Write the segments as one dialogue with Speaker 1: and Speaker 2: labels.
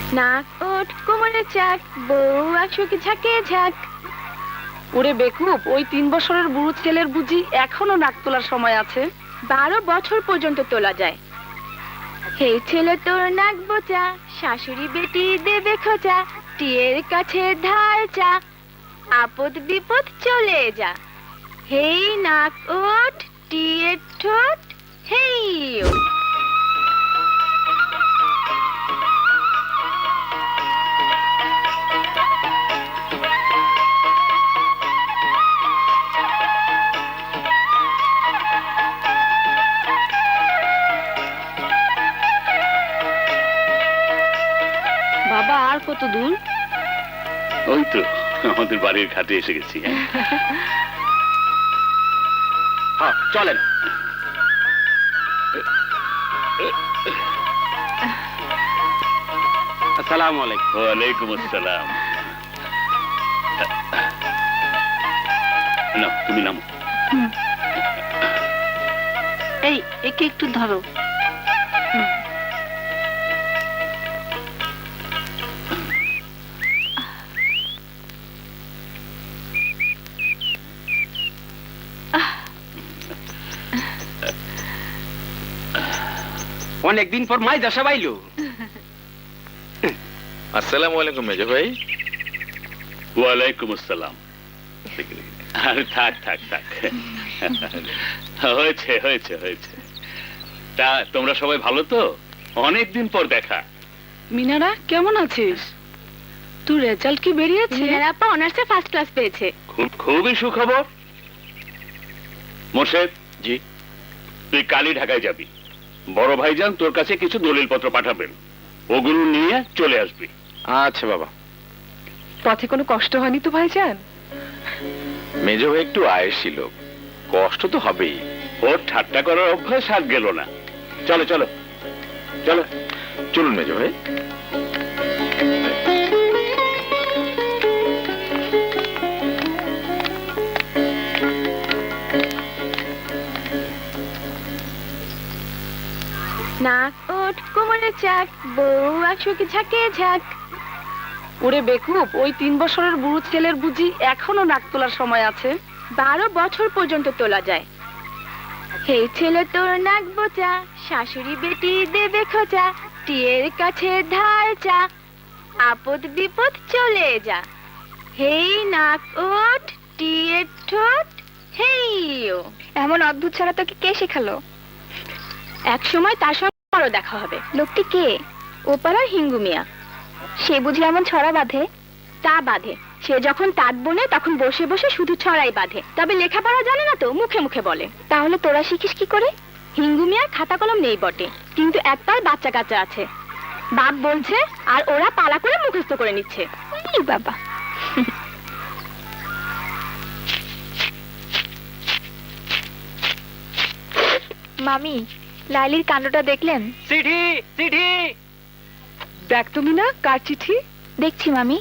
Speaker 1: নাক ওঠ কোমরে চাক, বউ আসুক ঝাঁকে ঝাঁক।
Speaker 2: ওরে বেকুব, ওই 3 বছরের বুড়ো ছেলের বুঝি এখনো নাক তোলার সময় আছে?
Speaker 1: 12 বছর পর্যন্ত তোলা যায়। হে ছেলে তোর নাক বোচা, শাশুড়ি বেটি দেবে খোঁচা, টিয়ের কাছে ধার চা, আপদ বিপদ চলে যা। হেই নাক ওঠ, টিয়ের ঠোঁট, হেই ওঠ।
Speaker 2: বাবা, আর কত দূর?
Speaker 3: ওই তো আমাদের বাড়ির ঘাটে এসে গেছি।
Speaker 4: হ্যাঁ, চলেন। আসসালামু আলাইকুম।
Speaker 3: ওয়ালাইকুম আসসালাম। না, তুমি নামো।
Speaker 2: এই, একে একটু ধরো।
Speaker 4: অনেকদিন পর মাই দশা পাইলো।
Speaker 5: আসসালামু আলাইকুম মেজো ভাই।
Speaker 3: ওয়ালাইকুম আসসালাম। আরে থাক থাক থাক, হয়েছে হয়েছে হয়েছে। তা তোমরা সবাই ভালো তো? অনেকদিন পর দেখা।
Speaker 2: মিনারা, কেমন আছিস? তোর রেজাল্ট কি বেরিয়েছে?
Speaker 1: মিনারা আপা অনার্সে ফার্স্ট ক্লাস পেয়েছে।
Speaker 3: খুবই সুখবর। মোর্শেদ,
Speaker 5: জি।
Speaker 3: তুই কালই ঢাকায় যাবি। বড় ভাইজান তোর কাছে কিছু দলিলপত্র পাঠাবেন, ওগুলো নিয়ে চলে আসবি।
Speaker 5: আচ্ছা বাবা।
Speaker 2: পথে কোনো কষ্ট হয়নি তো ভাইজান?
Speaker 5: মেজো ভাই একটু আয়েসি লোক, কষ্ট তো হবেই।
Speaker 3: ওর ঠাট্টা করার অভ্যাস আর গেল না। চলো চলো চলো।
Speaker 5: চলুন মেজো ভাই।
Speaker 1: নাক ওঠ কোমরে চাক, বউ আসুক ঝাঁকে ঝাঁক।
Speaker 2: ওরে বেকুব, ওই 3 বছরের বুড়ো ছেলের বুঝি এখনো নাক তোলার সময় আছে?
Speaker 1: 12 বছর পর্যন্ত তোলা যায়। হে ছেলে তোর নাক বোচা, শাশুড়ি বেটি দেবে খোঁচা, টিয়ের কাছে ধার চা, আপদ বিপদ চলে যা। হেই নাক ওঠ, টিয়ের ঠোঁট, হেই ও। এমন অদ্ভুত ছড়া তোকে কে শেখালো? এক সময় তার সঙ্গে আরো দেখা হবে। লোকটি কে? ওপাড়ার হিঙ্গু মিয়া। সে বুঝি এমন ছড়া বাঁধে? তা বাঁধে। সে যখন তাঁত বোনে তখন বসে বসে শুধু ছড়াই বাঁধে, তবে লেখাপড়া জানে না তো, মুখে মুখে বলে। তাহলে তোরা শিখিস কি করে? হিঙ্গু মিয়ার খাতা কলম নেই বটে, কিন্তু এক পাল বাচ্চা কাচ্চা আছে। বাপ বলছে আর ওরা পালা করে মুখস্থ করে নিচ্ছে। ই বাবা। মামি, লাইলির কাণ্ডটা দেখলেন?
Speaker 4: চিঠি চিঠি।
Speaker 2: দেখ তুমি না, কার চিঠি?
Speaker 1: দেখছি মামি।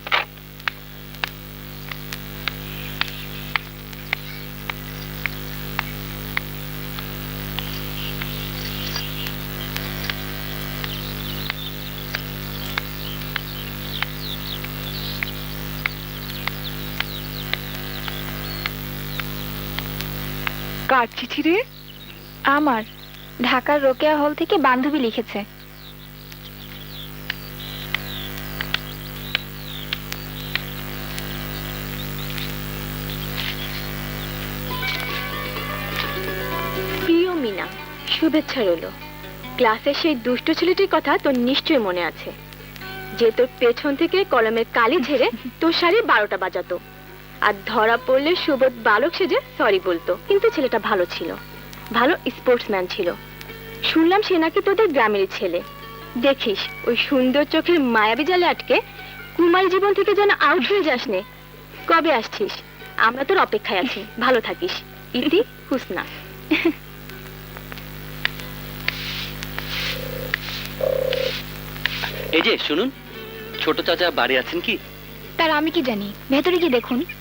Speaker 2: কার চিঠি রে?
Speaker 1: আমার, ঢাকার রোকেয়া হল থেকে বান্ধবী লিখেছে। প্রিয় মিনা, শুভেচ্ছা রইল। ক্লাসের সেই দুষ্ট ছেলেটির কথা তোর নিশ্চয়ই মনে আছে, যে তোর পেছন থেকে কলমের কালি ঝেড়ে তোর শাড়ি 12টা বাজাতো, আর ধরা পড়লে সুবোধ বালক সেজে সরি বলতো। কিন্তু ছেলেটা ভালো ছিল, ভালো স্পোর্টসম্যান ছিল। শুনলাম সে নাকি তোদের গ্রামের ছেলে। দেখিস ওই সুন্দর চোখের মায়াবী জালে আটকে কুমারী জীবন থেকে যেন আউট হয়ে যাস নে। কবে আসছিস? আমরা তোর অপেক্ষায় আছি। ভালো থাকিস। ইতি হুসনা।
Speaker 6: এই যে শুনুন, ছোট চাচা বাড়ি আছেন কি?
Speaker 1: তার আমি কি জানি, ভেতরে কি দেখুন।